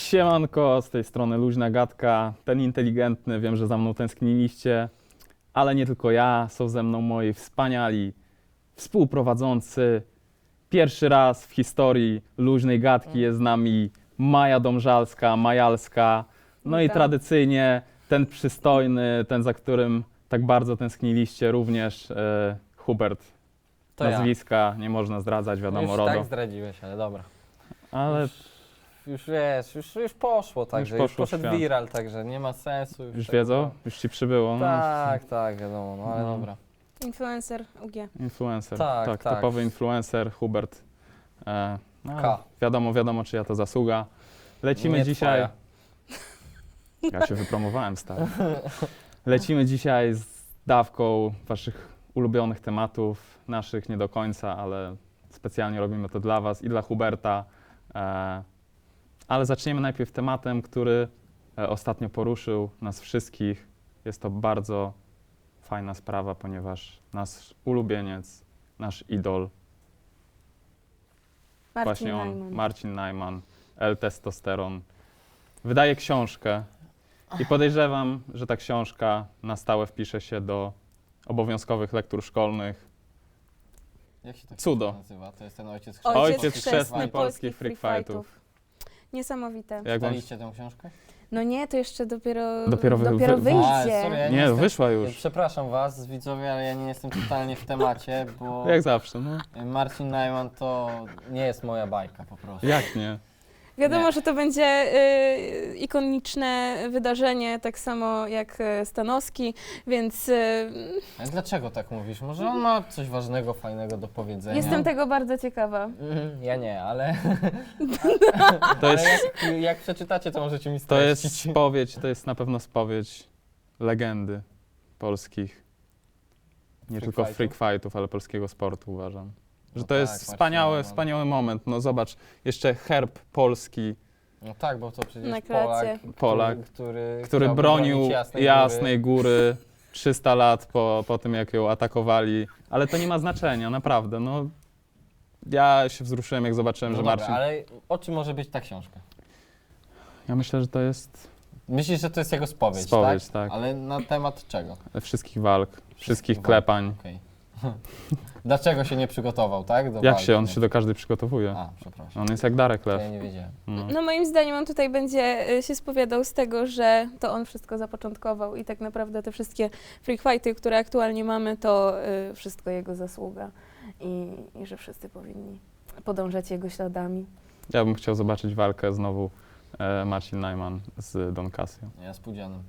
Siemanko, z tej strony Luźna Gadka, ten inteligentny, wiem, że za mną tęskniliście, ale nie tylko ja, są ze mną moi wspaniali współprowadzący. Pierwszy raz w historii Luźnej Gadki jest z nami Maja Domżalska, Majalska, no i Witam. tradycyjnie ten przystojny, ten za którym tak bardzo tęskniliście również Hubert. To ja. Nazwiska nie można zdradzać, wiadomo, Już RODO. tak zdradziłeś, ale dobra. Ale Już wiesz, już poszło, także już poszło w poszedł świat. viral, także nie ma sensu. już tego- wiedzą? Już ci przybyło? No. Tak, wiadomo, no ale No. dobra. Influencer UG. Influencer, Tak, tak. typowy influencer, Hubert. No, K. wiadomo, czyja to zasługa. Lecimy Nie dzisiaj. twoja. Ja się wypromowałem, stary. Lecimy dzisiaj z dawką waszych ulubionych tematów, naszych nie do końca, ale specjalnie robimy to dla was i dla Huberta. Ale zaczniemy najpierw tematem, który ostatnio poruszył nas wszystkich. Jest to bardzo fajna sprawa, ponieważ nasz ulubieniec, nasz idol, Marcin właśnie on, Najman. Marcin Najman, L-Testosteron, wydaje książkę i podejrzewam, że ta książka na stałe wpisze się do obowiązkowych lektur szkolnych. Jak się to Cudo. nazywa? To jest ten ojciec Ojciec chrzestny chrzestny polskich freak fightów. Niesamowite. Jak wam... Czytaliście tę książkę? No nie, to jeszcze dopiero, Dopiero wy- dopiero wy- wyjdzie. sorry, ja Nie, jestem- wyszła już. Przepraszam was, widzowie, ale ja nie jestem totalnie w temacie, bo Jak zawsze, no. Marcin Najman to nie jest moja bajka po prostu. Jak nie? Wiadomo, Nie. że to będzie ikoniczne wydarzenie, tak samo jak Stanowski, więc Ale dlaczego tak mówisz? Może on ma coś ważnego, fajnego do powiedzenia? jestem tego bardzo ciekawa. Ja nie, ale, To jest, jak przeczytacie, to możecie mi to streścić. jest spowiedź, to jest na pewno spowiedź legendy polskich. Nie Freak tylko fightów? freak fightów, ale polskiego sportu uważam. Że No to tak, jest Marcin wspaniały, Najman. wspaniały moment. No zobacz, jeszcze herb polski, No tak, bo to przecież Na klacie. Polak, który który chciałby bronił bronić Jasnej Góry 300 lat po tym, jak ją atakowali. Ale to nie ma znaczenia, naprawdę. No, ja się wzruszyłem, jak zobaczyłem, No że dobra, Marcin... ale o czym może być ta książka? Ja myślę, że to jest Myślisz, że to jest jego spowiedź, spowiedź, tak? tak. Ale na temat czego? Wszystkich walk, wszystkich walk. klepań. Okej. Dlaczego się nie przygotował, tak? Do Jak walki? się? On się do każdej przygotowuje. A, przepraszam. On jest jak Darek To Lew. ja nie wiedziałem. No. No moim zdaniem on tutaj będzie się spowiadał z tego, że to on wszystko zapoczątkował i tak naprawdę te wszystkie freak fighty, które aktualnie mamy, to wszystko jego zasługa i że wszyscy powinni podążać jego śladami. Ja bym chciał zobaczyć walkę znowu Marcin Najman z Don Casio. Ja z Pudzianem.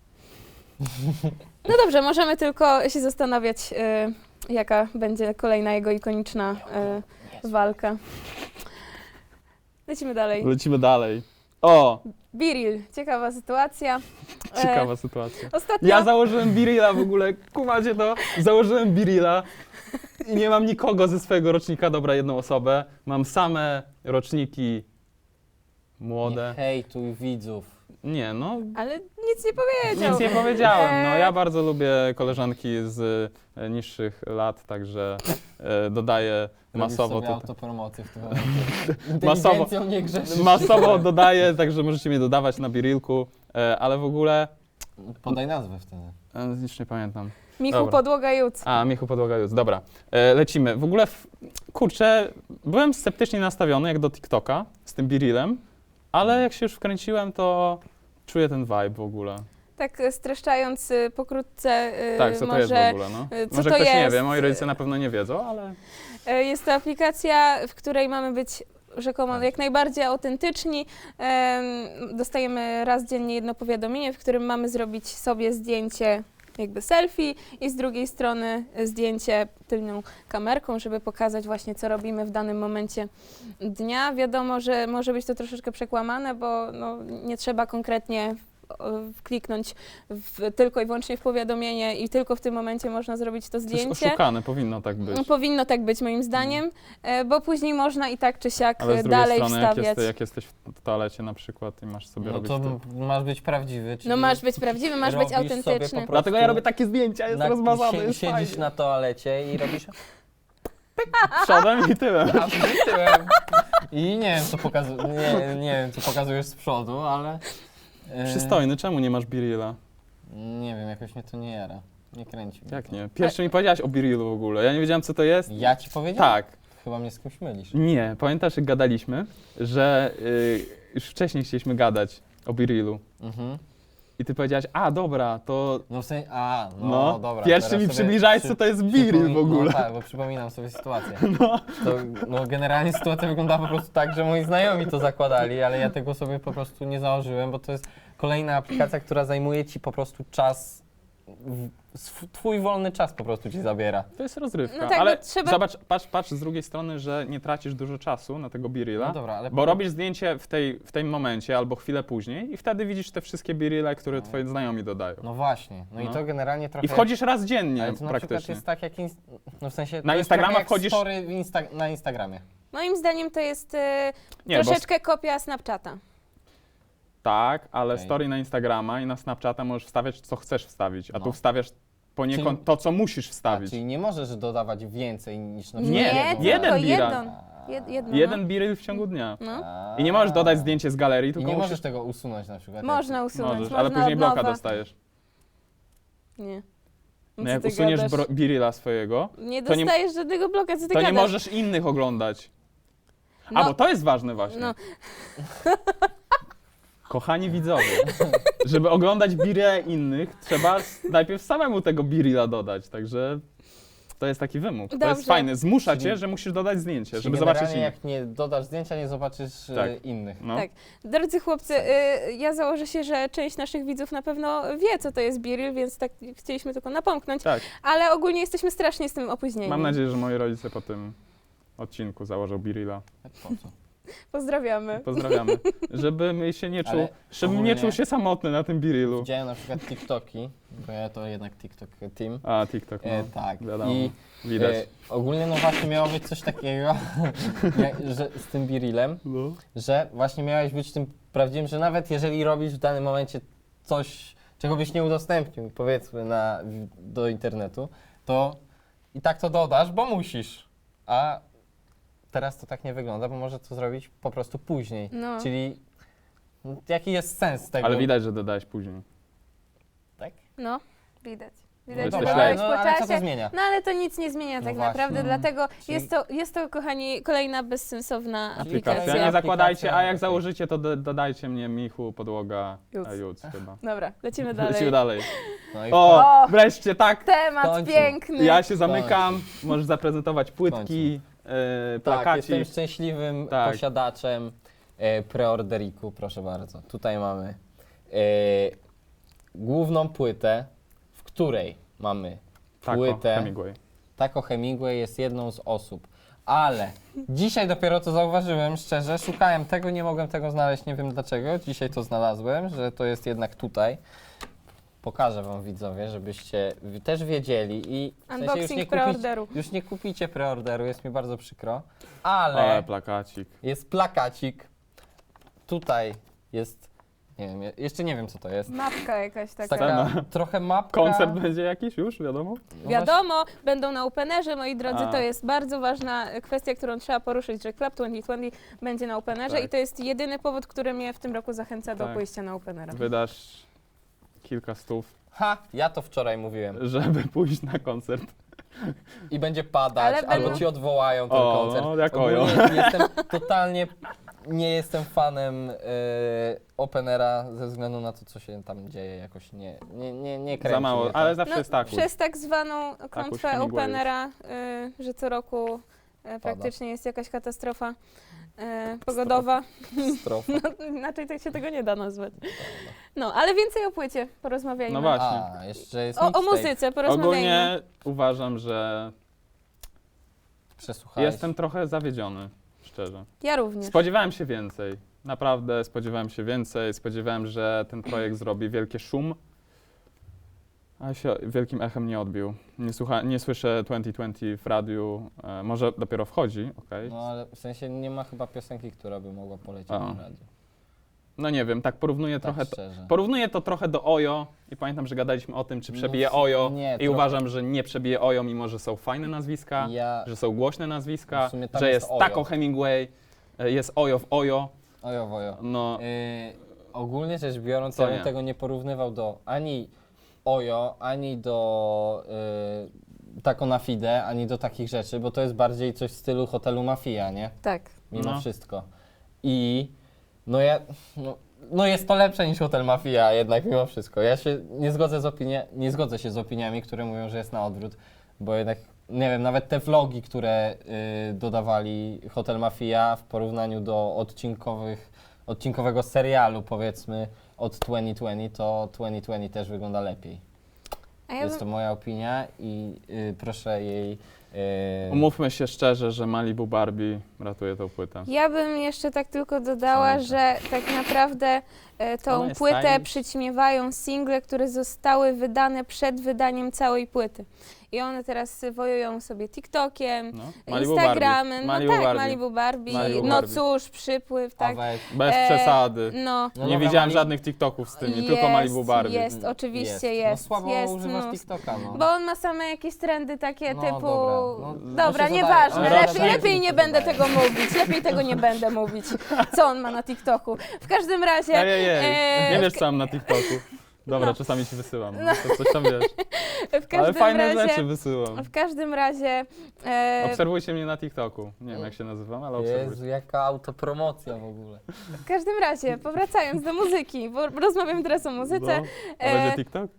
No dobrze, możemy tylko się zastanawiać, jaka będzie kolejna jego ikoniczna walka. Lecimy dalej. Lecimy dalej. O! Biril, ciekawa sytuacja. Ciekawa sytuacja. Ostatnio... Ja założyłem Birilla w ogóle, kumacie to? Założyłem Birilla i nie mam nikogo ze swojego rocznika, dobra, jedną osobę. Mam same roczniki młode. Nie hejtuj widzów. Nie, no, Ale nic nie powiedział. nic nie powiedziałem. No, ja bardzo lubię koleżanki z niższych lat, także dodaję masowo Robisz sobie tutaj. autopromocję w tym momencie. Masowo. Inteligencją nie grzeszysz. Masowo dodaję, także możecie mnie dodawać na Birillku, ale w ogóle Podaj nazwę wtedy. już nie pamiętam. Michu Dobra. Podłoga Juc. A, Michu Podłoga Jutz, dobra. Lecimy. W ogóle, kurczę, byłem sceptycznie nastawiony jak do TikToka z tym Birillem, ale jak się już wkręciłem, to czuję ten vibe w ogóle. Tak streszczając pokrótce, Tak, co to może jest w ogóle, no? co Może to ktoś nie jest? wie, moi rodzice na pewno nie wiedzą, ale... Jest to aplikacja, w której mamy być rzekomo Tak. jak najbardziej autentyczni. Dostajemy raz dziennie jedno powiadomienie, w którym mamy zrobić sobie zdjęcie jakby selfie i z drugiej strony zdjęcie tylną kamerką, żeby pokazać właśnie, co robimy w danym momencie dnia. Wiadomo, że może być to troszeczkę przekłamane, bo no, nie trzeba konkretnie kliknąć tylko i wyłącznie w powiadomienie i tylko w tym momencie można zrobić to To jest zdjęcie. oszukane, powinno tak być. Powinno tak być moim zdaniem, bo później można i tak czy siak Ale z drugiej dalej strony, wstawiać. jak jesteś w toalecie na przykład i masz sobie No robić to to... masz być prawdziwy, czyli No masz być prawdziwy, masz być robisz sobie po autentyczny. prostu- Dlatego ja robię takie zdjęcia, jest rozmazany, jest Siedzisz fajnie. na toalecie i robisz... Przodem i tyłem. A tyłem. I nie wiem, nie wiem, co pokazujesz z przodu, ale... Przystojny, czemu nie masz Birilla? Nie wiem, jakoś mnie to nie jara. Nie kręci mnie Jak to. nie? Pierwszy mi powiedziałaś o Birillu w ogóle. Ja nie wiedziałem, co to jest. Ja ci powiedziałem? Tak. Chyba mnie z kimś mylisz. Nie, pamiętasz, jak gadaliśmy, że już wcześniej chcieliśmy gadać o Birillu. Mhm. I ty powiedziałaś, a dobra, to No w sensie, no, dobra. pierwszy teraz mi sobie przybliżałeś, co to jest Birill w ogóle. No tak, bo przypominam sobie sytuację. No generalnie sytuacja wyglądała po prostu tak, że moi znajomi to zakładali, ale ja tego sobie po prostu nie założyłem, bo to jest kolejna aplikacja, która zajmuje ci po prostu czas, twój wolny czas po prostu ci zabiera. To jest rozrywka, No tak, ale bo trzeba- zobacz, patrz z drugiej strony, że nie tracisz dużo czasu na tego Birilla, No dobra, ale bo robisz zdjęcie w tym momencie albo chwilę później i wtedy widzisz te wszystkie Birille, które twoi znajomi dodają. No właśnie, no i No. to generalnie trochę... I wchodzisz raz dziennie Ale to na przykład praktycznie. jest tak jak... No w sensie... Na to jest Instagrama trochę jak wchodzisz- story na Instagramie. Moim zdaniem to jest Nie, bo troszeczkę kopia Snapchata. tak, ale Okej. story na Instagrama i na Snapchata możesz wstawiać, co chcesz wstawić, a No. tu wstawiasz poniekąd Czyli- to, co musisz wstawić. Czyli nie możesz dodawać więcej niż na Nie, przykład jeden tylko Bira. jedno. Jeden Birill w ciągu dnia. No. I nie możesz dodać zdjęcie z galerii, I tylko nie musisz... możesz tego usunąć na przykład. Można usunąć, Możesz, można ale później od bloka nowa. dostajesz. Nie. No Co jak ty usuniesz gadasz? Birilla swojego, Nie to nie- dostajesz żadnego bloka, co ty to nie gadasz? możesz innych oglądać. No. A, bo to jest ważne właśnie. No. Kochani widzowie, żeby oglądać Birille innych, trzeba najpierw samemu tego Birilla dodać, także to jest taki wymóg. To Dobrze. jest fajne, zmusza Czyli- cię, że musisz dodać zdjęcie, Czyli żeby zobaczyć generalnie innych. jak nie dodasz zdjęcia, nie zobaczysz Tak. innych. No. Tak. Drodzy chłopcy, ja założę się, że część naszych widzów na pewno wie, co to jest Birill, więc tak chcieliśmy tylko napomknąć, Tak. ale ogólnie jesteśmy strasznie z tym opóźnieni. Mam nadzieję, że moi rodzice po tym odcinku założą Birilla. Po co? Pozdrawiamy. Pozdrawiamy. Żebym się nie czuł, Ale żebym nie ogólnie- czuł się samotny na tym Birillu. Widziałem na przykład TikToki, bo ja to jednak TikTok team. A, TikTok, no. Tak. Wiadomo, I widać. ogólnie no właśnie miało być coś takiego, że z tym Birillem, No. że właśnie miałeś być tym prawdziwym, że nawet jeżeli robisz w danym momencie coś, czego byś nie udostępnił, powiedzmy, do internetu, to i tak to dodasz, bo musisz. A teraz to tak nie wygląda, bo może to zrobić po prostu później. No. Czyli jaki jest sens tego? Ale widać, że dodałeś później. Tak? No, widać. No Widać, dobra, że ale- dodałeś po ale co to czasie. zmienia? No ale to nic nie zmienia No tak właśnie. naprawdę, dlatego Czyli- jest to, kochani, kolejna bezsensowna Aplikacja. aplikacja. Nie zakładajcie, a jak Aplikacja. założycie, to dodajcie mnie Michu, Podłoga, Juc. Juc chyba. Dobra, lecimy dalej. Lecimy dalej. No i O, O! wreszcie tak. Temat W końcu. piękny. Ja się zamykam, możesz zaprezentować płytki, tak, plakacik. jestem szczęśliwym Tak. posiadaczem preorderiku, proszę bardzo. Tutaj mamy główną płytę, w której mamy Tako, płytę. Hemingway. Taco Hemingway jest jedną z osób. Ale dzisiaj dopiero to zauważyłem, szczerze, szukałem tego, nie mogłem tego znaleźć, nie wiem dlaczego. Dzisiaj to znalazłem, że to jest jednak tutaj. Pokażę wam widzowie, żebyście też wiedzieli i w sensie Unboxing preorderu. już nie kupicie preorderu, jest mi bardzo przykro, Ale ale plakacik. jest plakacik. Tutaj jest, nie wiem, jeszcze nie wiem co to jest. Mapka jakaś taka. Taka trochę mapka. Koncert będzie jakiś już, wiadomo? No Wiadomo, będą na Openerze, moi drodzy, A. to jest bardzo ważna kwestia, którą trzeba poruszyć, że Club 2020 będzie na Openerze Tak. i to jest jedyny powód, który mnie w tym roku zachęca do Tak. pójścia na Openera. Wydasz kilka stów, Ha, ja to wczoraj mówiłem. żeby pójść na koncert. I będzie padać, Ale albo będą- ci odwołają ten O, koncert. no, jak Ogólnie ojo. jestem totalnie, nie jestem fanem Openera ze względu na to, co się tam dzieje, jakoś nie kręci Za mało, mnie to. ale zawsze jest tak. Przez tak zwaną klątwę Hemingwayów. Openera, że co roku praktycznie jest jakaś katastrofa pogodowa. Strofa. No, inaczej tak się tego nie da nazwać. No, ale więcej o płycie porozmawiajmy. No właśnie. A, jeszcze jest O mixtape. muzyce porozmawiajmy. Ogólnie uważam, że Przesłuchałeś. jestem trochę zawiedziony, szczerze. Ja również. Spodziewałem się więcej. Naprawdę spodziewałem się więcej. Spodziewałem, że ten projekt zrobi wielki szum, a się wielkim echem nie odbił. Nie słyszę 2020 w radiu. Może dopiero wchodzi, okej. No ale w sensie nie ma chyba piosenki, która by mogła polecieć A. na radio. No nie wiem, tak porównuję Tak trochę. szczerze. Porównuję to trochę do Ojo i pamiętam, że gadaliśmy o tym, czy No przebije w- Ojo nie, i trochę. uważam, że nie przebije Ojo, mimo że są fajne nazwiska, Ja że są głośne nazwiska, W sumie tam że jest jest Ojo. Taco Hemingway. Jest Ojo w Ojo. Ojo, wojo. No, Ogólnie rzecz biorąc, To ja bym nie. tego nie porównywał do ani Ojo, ani do Taco na Fide, ani do takich rzeczy, bo to jest bardziej coś w stylu hotelu Mafia, nie? Tak. Mimo No. wszystko. I no jest to lepsze niż Hotel Mafia jednak mimo wszystko. Ja się nie zgodzę się z opiniami, które mówią, że jest na odwrót, bo jednak, nie wiem, nawet te vlogi, które dodawali Hotel Mafia w porównaniu do odcinkowego serialu, powiedzmy, od 2020, to 2020 też wygląda lepiej. A ja Jest bym, to moja opinia i proszę jej... umówmy się szczerze, że Malibu Barbie ratuje tą płytę. ja bym jeszcze tak tylko dodała, Szaleńcze. że tak naprawdę Ona tą jest płytę stylish. przyćmiewają single, które zostały wydane przed wydaniem całej płyty. I one teraz wojują sobie TikTokiem, No. Instagramem, Malibu no tak, Barbie. Malibu Barbie, Malibu no Barbie. cóż, przypływ, a tak. weź, Bez przesady. No, No Nie dobra, widziałem Mali- żadnych TikToków z tymi, tylko Malibu Barbie. Jest, oczywiście jest. No słabo jest używasz mnóstwo. TikToka, no. Bo on ma same jakieś trendy takie No, typu... dobra. No, Dobra, się nieważne, zadaje. Ale lepiej, raczej lepiej nie się będę zadaje. tego mówić, lepiej tego nie będę mówić, co on ma na TikToku. W każdym razie... Nie wiesz co mam na TikToku. Dobra, No. czasami ci wysyłam, no. To coś tam wiesz. w Ale każdym fajne razie, rzeczy wysyłam. w każdym razie... Obserwujcie mnie na TikToku. Nie wiem jak się nazywam, ale obserwujcie. Jezu, jaka autopromocja w ogóle. w każdym razie, powracając do muzyki, bo rozmawiam teraz o muzyce, No. A będzie TikTok?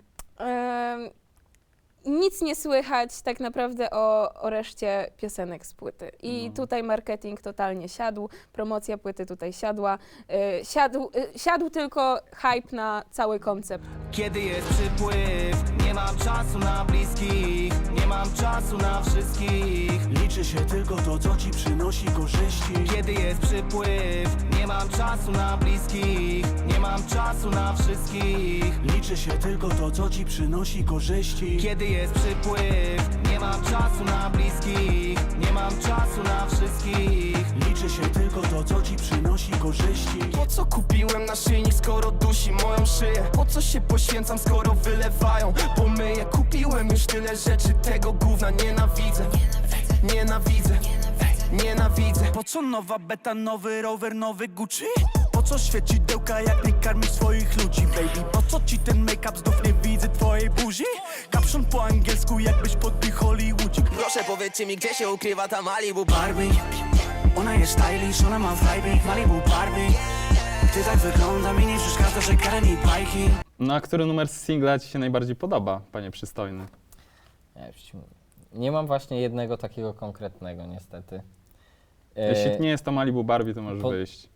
nic nie słychać tak naprawdę o reszcie piosenek z płyty. I No. tutaj marketing totalnie siadł, promocja płyty tutaj siadła. Siadł tylko hype na cały koncept. Kiedy jest przypływ, nie mam czasu na bliskich, nie mam czasu na wszystkich. Liczy się tylko to, co ci przynosi korzyści. Kiedy jest przypływ, nie mam czasu na bliskich, nie mam czasu na wszystkich. Liczy się tylko to, co ci przynosi korzyści. Kiedy jest przypływ, nie mam czasu na bliskich, nie mam czasu na wszystkich. Liczy się tylko to, co ci przynosi korzyści. Po co kupiłem naszyjnik, skoro dusi moją szyję? Po co się poświęcam, skoro wylewają pomyję? Kupiłem już tyle rzeczy, tego gówna nienawidzę. Nienawidzę, nienawidzę. Po co nowa beta, nowy rower, nowy Gucci? Po co świecidełka, jak nie karmisz swoich ludzi, baby? Po co ci ten make-up, znów nie widzę twojej buzi? Kapszon po angielsku, jakbyś podbił Hollywoodzik. Proszę powiedzcie mi, gdzie się ukrywa ta Malibu Barbie, ona jest stylish, ona ma vibe, Malibu Barbie. Ty tak wygląda, mi nie przeszkadza, że karmi bajki. No a który numer z singla ci się najbardziej podoba, panie przystojny? Ja już ci mówię. Nie mam właśnie jednego takiego konkretnego niestety. Jeśli nie jest to Malibu Barbie, to możesz po- wyjść.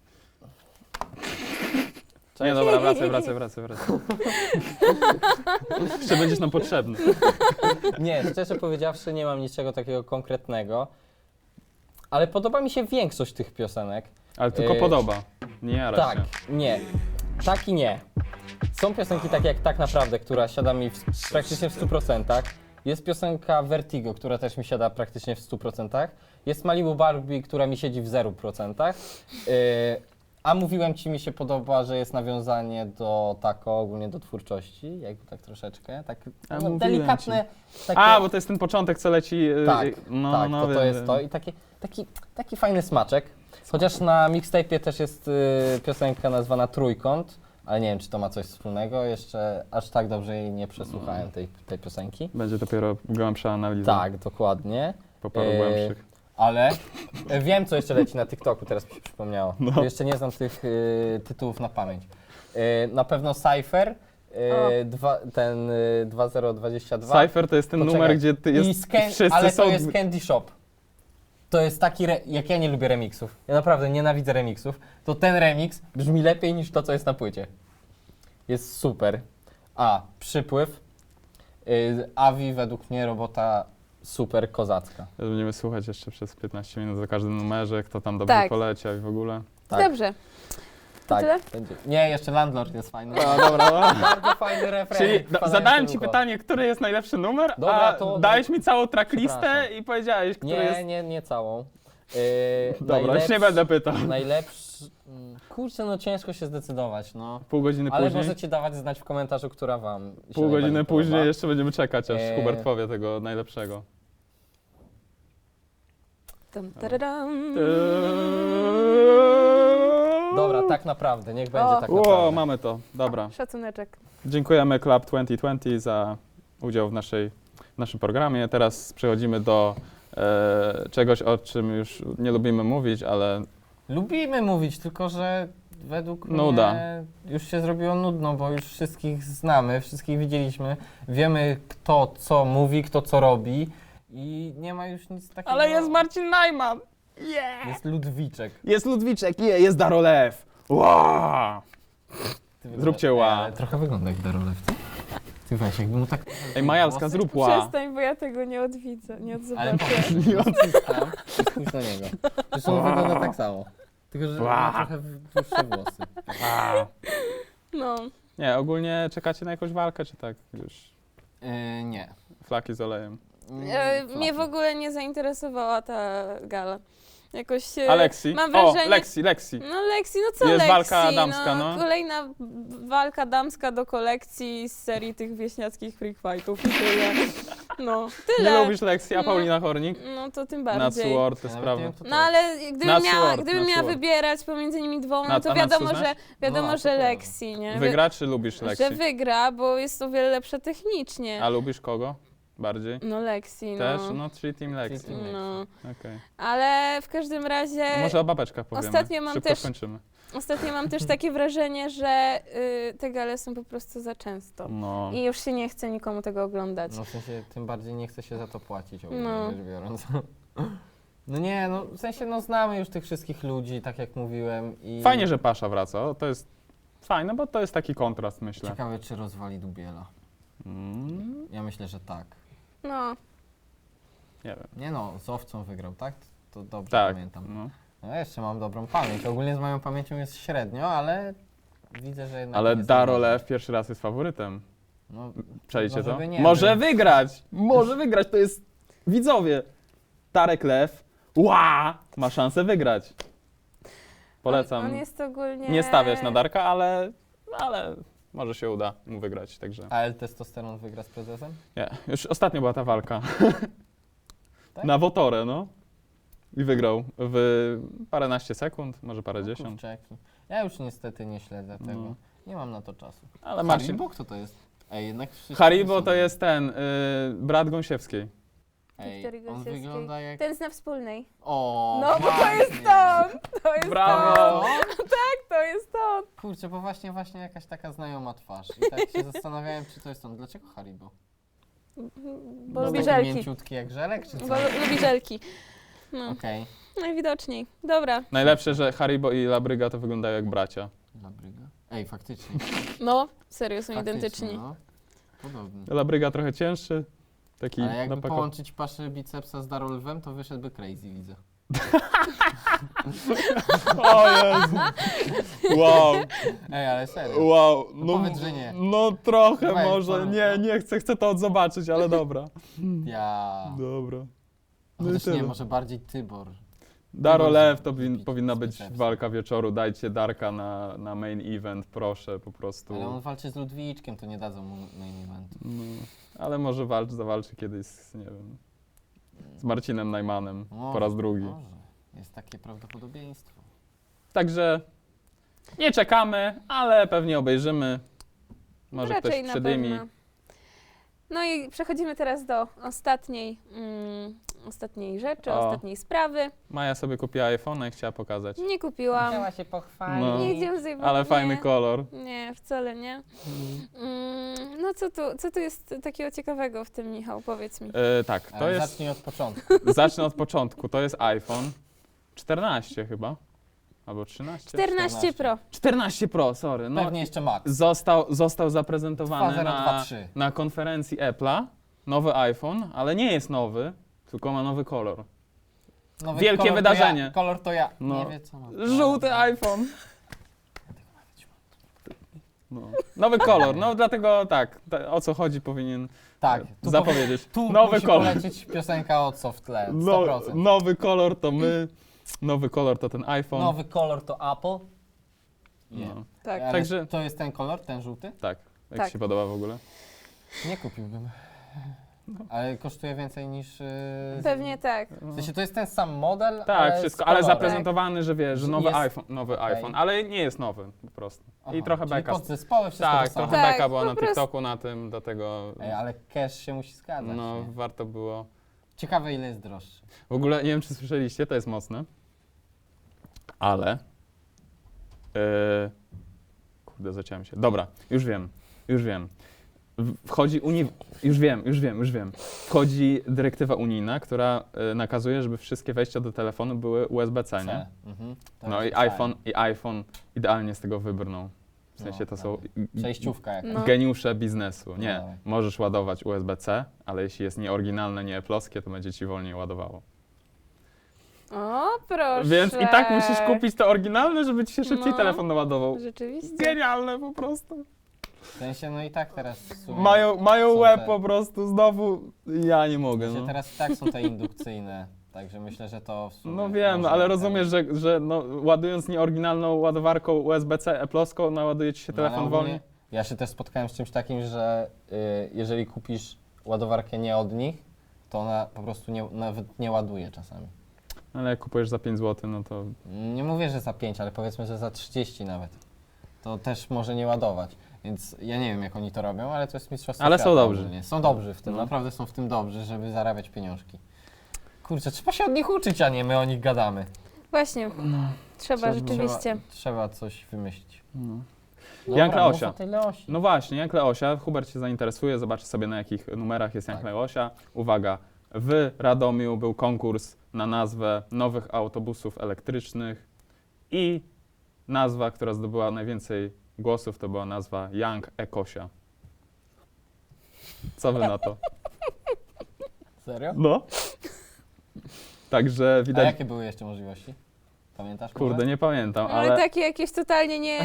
Nie, dobra, wracaj. Jeszcze będziesz nam potrzebny. Nie, szczerze powiedziawszy nie mam niczego takiego konkretnego, ale podoba mi się większość tych piosenek. Ale tylko podoba. Nie jara Tak, się. nie. Tak i nie. Są piosenki takie jak Tak Naprawdę, która siada mi praktycznie w 100%. Jest piosenka Vertigo, która też mi siada praktycznie w 100%. Jest Malibu Barbie, która mi siedzi w 0%. A mówiłem ci, mi się podoba, że jest nawiązanie do Taco, ogólnie do twórczości, jakby tak troszeczkę. Tak A, no, mówiłem delikatne. Takie, A, bo to jest ten początek, co leci... tak, no, tak, no, to wiem, jest wiem. to. I taki fajny smaczek. Chociaż na mixtape'ie też jest piosenka nazwana Trójkąt, ale nie wiem, czy to ma coś wspólnego. Jeszcze aż tak dobrze jej nie przesłuchałem tej piosenki. Będzie dopiero głębsza analiza. Tak, dokładnie. Po paru głębszych. Ale wiem, co jeszcze leci na TikToku, teraz mi się przypomniało. No. Jeszcze nie znam tych tytułów na pamięć. Na pewno Cypher, ten 2022. Cypher to jest ten Poczekaj. numer, gdzie ty jest, wszyscy ale są... to jest Candy Shop. To jest taki, jak ja nie lubię remixów, ja naprawdę nienawidzę remixów, to ten remix brzmi lepiej niż to, co jest na płycie. Jest super. Przypływ. Avi według mnie robota super kozacka. Będziemy słuchać jeszcze przez 15 minut za każdym numerze, kto tam dobrze Tak. poleciał i w ogóle. Tak, Dobrze. tak. tyle? Będzie. Nie, jeszcze Landlord jest fajny. A, dobra, no. Bardzo fajny refren. Czyli wpadający zadałem w ci ucho. pytanie, który jest najlepszy numer, Dobra, a to- dałeś mi całą tracklistę Przepraszam. i powiedziałeś, który jest... Nie całą. Dobra, już nie będę pytał. Najlepszy... Kurczę, no ciężko się zdecydować, no. Pół godziny Ale później, możecie dawać znać w komentarzu, która wam się pół godziny najbardziej później podoba. jeszcze będziemy czekać, aż Eee. Hubert powie tego najlepszego. Tam, tararam. Dobra, tak naprawdę, niech będzie O. tak Wow, naprawdę. mamy to. Dobra. Szacuneczek. Dziękujemy Club 2020 za udział w naszym programie. Teraz przechodzimy do czegoś, o czym już nie lubimy mówić, ale Lubimy mówić, tylko że według Nuda. mnie już się zrobiło nudno, bo już wszystkich znamy, wszystkich widzieliśmy, wiemy kto co mówi, kto co robi i nie ma już nic takiego. Ale jest Marcin Najman! Jest Ludwiczek. Jest Ludwiczek, jest Darolew! Wow! Ty wygląda- Zróbcie Ej, ła. ale trochę wygląda jak Darolew. Ty weź, jakby mu tak... Ej, Majalska, włosy- zrób ła! Przestań, bo ja tego nie odwidzę, nie Ale odzobaczę. spójrz tam i spójrz na niego. Zresztą on wygląda tak samo. Tylko, że ma trochę dłuższe włosy. Wow. No. Nie, ogólnie czekacie na jakąś walkę, czy tak już Nie. flaki z olejem? Mnie w ogóle nie zainteresowała ta gala. Jakoś Alexi? mam wrażenie... Lexi. No Lexi, no co Jest Lexi? walka damska, no. Kolejna walka damska do kolekcji z serii tych wieśniackich freak fightów i tyle. No, tyle. Nie lubisz Lexi, a No. Paulina Hornik? No to tym Na bardziej. Sword, te Ja nawet sprawy. nie wiem, kto to No jest. ale gdybym miała Sword. wybierać pomiędzy nimi dwoma, Na- no to a Natsu wiadomo, znasz? że No, to prawda. Lexi, nie? Wygra, czy lubisz Lexi? Że wygra, bo jest o wiele lepsza technicznie. A lubisz kogo bardziej? No Lexi, Też? no. No, czyli Team Lexi. Team Lexi. No. Okej. Ale w każdym razie Może o babeczkach powiemy. ostatnio mam Szybko też- skończymy. ostatnio mam też takie wrażenie, że te gale są po prostu za często. No. I już się nie chce nikomu tego oglądać. No w sensie, tym bardziej nie chce się za to płacić, ogólnie No. rzecz biorąc. No nie, no w sensie, no znamy już tych wszystkich ludzi, tak jak mówiłem i... Fajnie, że Pasza wraca. O, to jest fajne, bo to jest taki kontrast, myślę. Ciekawe, czy rozwali Dubiela. Mm, Ja myślę, że tak. No, nie wiem. Nie no, z Owcą wygrał, tak? To dobrze Tak. pamiętam. No. No ja jeszcze mam dobrą pamięć. Ogólnie z moją pamięcią jest średnio, ale widzę, że jednak... Ale jest Darolew pierwszy raz jest faworytem. No, Przejdzie może to? by nie Może był. wygrać! Może wygrać, to jest widzowie. Darek Lew, ma szansę wygrać. Polecam. On jest ogólnie... Nie stawiać na Darka, ale może się uda mu wygrać, także A L-testosteron wygra z prezesem? nie. Już ostatnio była ta walka. Tak? Na Wotorę, no. I wygrał w paręnaście sekund, może parę dziesiąt. Kurczaki. Ja już niestety nie śledzę tego. No. Nie mam na to czasu. Ale Marcin... Haribo? Kto to jest? Ej, jednak wszyscy Haribo są- to jest ten, brat Gąsiewskiej. Ej, Wiktorii on Gąsiewskiej. wygląda jak... Ten zna wspólnej. O, No bo to jest właśnie. on! To jest Brawo! on! To jest on! Kurczę, bo właśnie jakaś taka znajoma twarz. I tak się zastanawiałem, czy to jest on. Dlaczego Haribo? Bo Jest lubi taki żelki. mięciutki jak żelek, czy co? Bo lubi żelki. No, Okej. najwidoczniej. Dobra. Najlepsze, że Haribo i Labryga to wyglądają jak bracia. Labryga. Ej, faktycznie. No, serio, są Faktycznie, identyczni. No. Podobny. Labryga trochę cięższy, taki Ale jakby napako- połączyć paszę bicepsa z Darolwem, to wyszedłby crazy, widzę. O Jezu! Wow, Ej, ale serio. wow. No powiedz, że nie. No trochę Weź, może, porób, nie chcę to odzobaczyć, ale dobra. Ja. Dobra. No i Chociaż nie, tyle. może bardziej Tybor. Daro Lew to Wybić powinna z być bicepsem. walka wieczoru, dajcie Darka na main event, proszę, po prostu. Ale on walczy z Ludwiczkiem, to nie dadzą mu main eventu. No, ale może zawalczy kiedyś z, nie wiem, z Marcinem Najmanem po raz drugi. Może. Jest takie prawdopodobieństwo. Także nie czekamy, ale pewnie obejrzymy. Może Raczej ktoś na przedymi. pewno. No i przechodzimy teraz do ostatniej rzeczy, O. ostatniej sprawy. Maja sobie kupiła iPhone'a i chciała pokazać. Nie kupiłam. się pochwalić. No. Nie idziemy z Ale fajny kolor. Nie, wcale nie. No co tu jest takiego ciekawego w tym, Michał? Powiedz mi. Tak, to Ale jest. zacznij od początku. Zacznę od początku. To jest iPhone 14 chyba. Albo 13? 14 Pro. 14 Pro, sorry. No, Pewnie jeszcze Max. został zaprezentowany 2023. na konferencji Apple'a. Nowy iPhone, ale nie jest nowy, tylko ma nowy kolor. Nowy Wielkie kolor wydarzenie. To ja, kolor to ja. No. Nie wie co mam. Żółty iPhone. No. Nowy kolor, no dlatego tak, o co chodzi powinien Tak. Tu zapowiedzieć. Tu Nowy musi kolor. polecieć piosenka od Softle. 100%. No, nowy kolor to my, nowy kolor to ten iPhone. Nowy kolor to Apple. Nie. No. Tak. Ale Także- to jest ten kolor, ten żółty? Tak, jak Tak. Ci się podoba w ogóle? Nie kupiłbym. Ale kosztuje więcej niż... Pewnie tak. W sensie to jest ten sam model, Tak, ale wszystko, z ale kolorem. zaprezentowany, że wiesz, że nowy Jest- iPhone, okej. ale nie jest nowy po prostu. Aha, I trochę czyli beka. podzespoły, wszystko Tak, to samo. trochę Tak, beka była po na prostu. TikToku na tym, dlatego Ej, ale cash się musi zgadzać. no nie? warto było. Ciekawe ile jest droższy. W ogóle nie wiem, czy słyszeliście, to jest mocne, ale kurde, zaciąłem się. Dobra, już wiem. Wchodzi już wiem. Wchodzi dyrektywa unijna, która nakazuje, żeby wszystkie wejścia do telefonu były USB-C, nie? Mhm. To No jest i iPhone idealnie z tego wybrnął. W sensie No, to są przejściówka jakaś. No. geniusze biznesu. Nie, dawaj. możesz ładować USB-C, ale jeśli jest nieoryginalne, nie Apple'owskie, to będzie ci wolniej ładowało. O, proszę. Więc i tak musisz kupić to oryginalne, żeby ci się szybciej No. telefon naładował. Rzeczywiście. Genialne po prostu. W sensie, no i tak teraz w sumie... Mają są łeb te- po prostu, znowu ja nie mogę. w sensie No, teraz i tak są te indukcyjne, także myślę, że to w sumie... no wiem, może ale tak. rozumiesz, że no, ładując nieoryginalną ładowarką USB-C Apple'owską, naładuje ci się No, ale telefon ogólnie wolniej. Ja się też spotkałem z czymś takim, że jeżeli kupisz ładowarkę nie od nich, to ona po prostu nawet nie ładuje czasami. Ale jak kupujesz za 5 zł, no to Nie mówię, że za 5, ale powiedzmy, że za 30 nawet. To też może nie ładować. Więc ja nie wiem, jak oni to robią, ale to jest mistrzostwo Ale świata są dobrzy. ogólnie. Są dobrzy w tym, No. naprawdę są w tym dobrzy, żeby zarabiać pieniążki. Kurczę, trzeba się od nich uczyć, a nie my o nich gadamy. Właśnie. Trzeba rzeczywiście. Trzeba coś wymyślić. no. Dobra, Jank mów Leosia. o tej Leosi. No właśnie, Jank Leosia, Hubert się zainteresuje, zobaczy sobie na jakich numerach jest Jank Tak. Leosia. Uwaga, w Radomiu był konkurs na nazwę nowych autobusów elektrycznych i nazwa, która zdobyła najwięcej głosów, to była nazwa Jank Ekosia. Co wy na to? Serio? No. Także A widać, jakie były jeszcze możliwości? Pamiętasz? kurde, może? nie pamiętam, Ale ale takie jakieś totalnie nie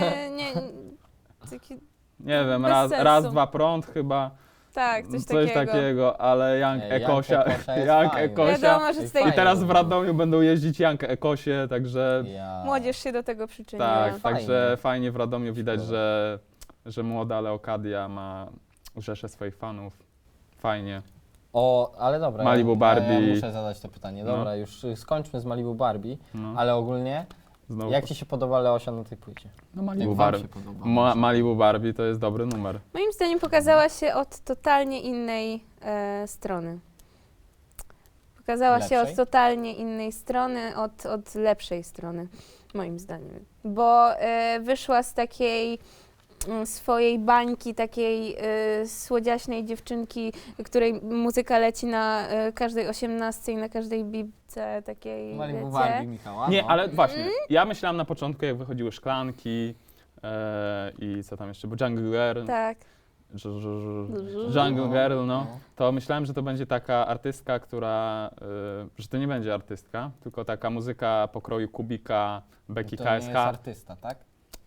takie, nie wiem, bez raz, sensu. dwa prąd chyba, tak, coś coś takiego. takiego, ale Jank Nie, Jank Ekosia, Ekosia jest Jank fajny. Ekosia. Wiadomo, że z tej I teraz w Radomiu będą jeździć Jank Ekosie, także Ja. młodzież się do tego przyczyniła. tak, Fajnie. także fajnie w Radomiu widać, Szkoda. że młoda Leokadia ma rzeszę swoich fanów. Fajnie. O, ale dobra. Malibu Barbie. Ja muszę zadać to pytanie. No. Dobra, już skończmy z Malibu Barbie, No, ale ogólnie, znowu. jak ci się podoba Leosia na tej płycie? No Jak Malibu wam Barbie. się podoba? Malibu Barbie to jest dobry numer. Moim zdaniem pokazała się od totalnie innej strony. Pokazała się Lepszej? od totalnie innej strony, od lepszej strony, moim zdaniem. Bo wyszła z takiej swojej bańki, takiej słodziaśnej dziewczynki, której muzyka leci na każdej 18 i na każdej bibce takiej, Malibu wiecie. Barbie Michała? Nie, no. ale właśnie, ja myślałam na początku, jak wychodziły szklanki i co tam jeszcze, bo Jungle Girl, Tak. Jungle Girl, no, to myślałem, że to będzie taka artystka, która, że to nie będzie artystka, tylko taka muzyka pokroju Kubika, Becky To nie jest KSH. artysta, tak?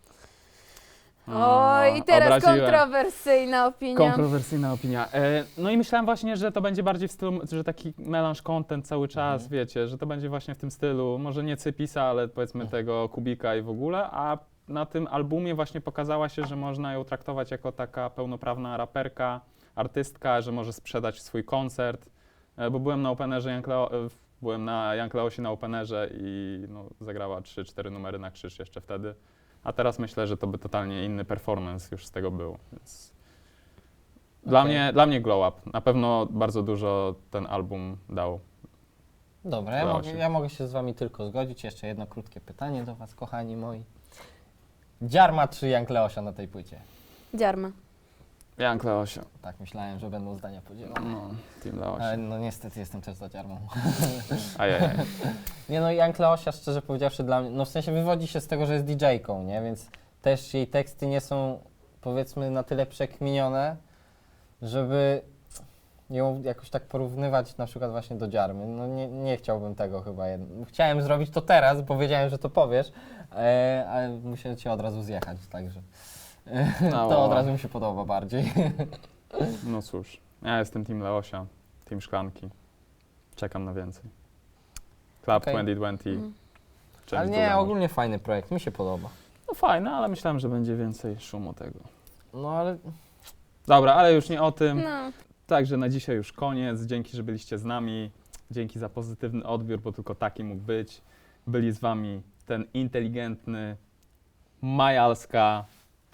Oj, i teraz Obraziłem. kontrowersyjna opinia. Kontrowersyjna opinia. No i myślałem właśnie, że to będzie bardziej w stylu, że taki melange content cały czas, wiecie, że to będzie właśnie w tym stylu, może nie Cypisa, ale powiedzmy tego Kubika i w ogóle, a na tym albumie właśnie pokazała się, że można ją traktować jako taka pełnoprawna raperka, artystka, że może sprzedać swój koncert, bo byłem na openerze byłem na Jank Leosie na openerze i no, zagrała 3-4 numery na krzyż jeszcze wtedy. A teraz myślę, że to by totalnie inny performance już z tego był. Więc dla mnie glow up. Na pewno bardzo dużo ten album dał. Dobra, Leosi. ja mogę się z wami tylko zgodzić. Jeszcze jedno krótkie pytanie do was, kochani moi. Dziarma czy Jank Leosia na tej płycie? Dziarma. Jank Leosia. Tak, myślałem, że będą zdania podzielone. No, Team Leosia. Ale no niestety jestem też za Dziarmą. Ajajaj. Nie no, Jank Leosia, szczerze powiedziawszy, dla mnie, no w sensie wywodzi się z tego, że jest DJ-ką, nie? Więc też jej teksty nie są, powiedzmy, na tyle przekminione, żeby ją jakoś tak porównywać na przykład właśnie do Dziarmy. No nie chciałbym tego chyba. Chciałem zrobić to teraz, bo wiedziałem, że to powiesz, ale musiałem cię od razu zjechać, także No, to od razu mi się podoba bardziej. No cóż, ja jestem Team Leosia, Team Szklanki. Czekam na więcej. Club Okej. 2020. Część Ale druga nie, może. ogólnie fajny projekt, mi się podoba. No fajne, ale myślałem, że będzie więcej szumu tego. No ale Dobra, ale już nie o tym. No, Także na dzisiaj już koniec. Dzięki, że byliście z nami. Dzięki za pozytywny odbiór, bo tylko taki mógł być. Byli z wami ten inteligentny Majalska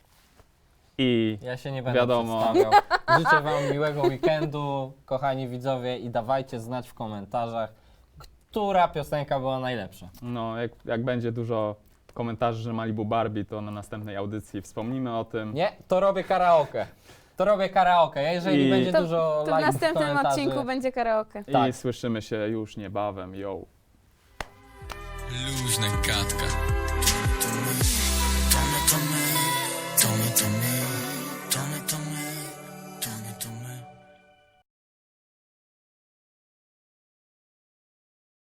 i Ja się nie będę Wiadomo. przedstawiał. Życzę wam miłego weekendu, kochani widzowie, i dawajcie znać w komentarzach, która piosenka była najlepsza. no, jak będzie dużo komentarzy, że Malibu Barbie, to na następnej audycji wspomnimy o tym. Nie, to robię karaoke. To robię karaoke. Jeżeli I- będzie To, dużo to w lajków, następnym komentarzy, odcinku będzie karaoke. I tak. słyszymy się już niebawem. Yo. Luźna gadka. To my, to my, to my, to my.